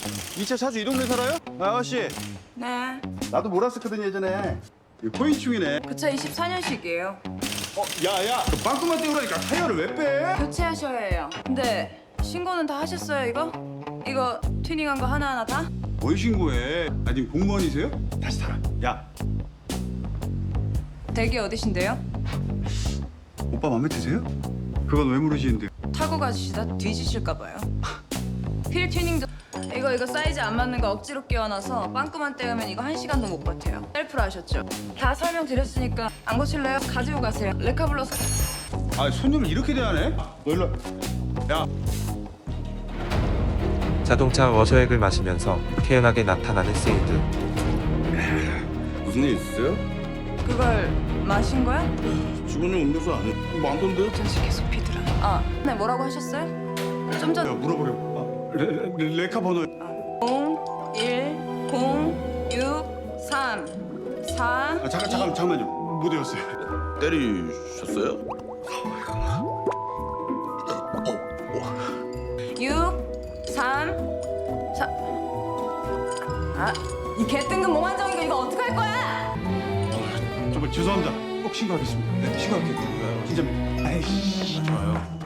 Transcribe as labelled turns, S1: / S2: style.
S1: 이 차 자주 이 동네 살아요? 아가씨,
S2: 네.
S1: 나도 몰았었거든 예전에. 이거 코인충이네.
S2: 그 차 24년식이에요.
S1: 야야, 그 빵꾸만 떼우라니까 타이어를 왜 빼?
S2: 교체하셔야 해요. 근데 신고는 다 하셨어요, 이거? 이거 튜닝한 거 하나하나 다?
S1: 뭘 신고해? 아니 공무원이세요? 다시 타라. 야,
S2: 댁이 어디신데요?
S1: 오빠 마음에 드세요? 그건 왜 물으시는데?
S2: 타고 가시다 뒤지실까 봐요. 휠 튜닝도 이거 사이즈 안 맞는 거 억지로 끼워놔서 빵꾸만 떼우면 이거 1시간도 못 버텨요. 셀프로 하셨죠? 다 설명드렸으니까 안 고칠래요? 가지고 가세요. 레카 불러서.
S1: 아, 손님을 이렇게 대하네? 너 일로 와. 야,
S3: 자동차 워셔액을 마시면서 태연하게 나타나는 세이드.
S4: 무슨 일 있으세요?
S2: 그걸 마신 거야?
S4: 직원이 음료수 안 많던데요?
S2: 전시 계속 피더라. 아, 네 뭐라고 하셨어요? 좀
S1: 야
S2: 전.
S1: 물어보려. 레카 번호.
S2: 0 1 0 6 3 4
S1: 아, 잠깐만요. 못 외웠어요.
S4: 때리셨어요?
S2: 6 3 4. 아, 이 개뜬금 몽환정이가 이거 어떡할 거야?
S1: 정말 죄송합니다. 꼭 신고하겠습니다. 네, 신고할게요. 진짜입니다. 아이씨. 좋아요.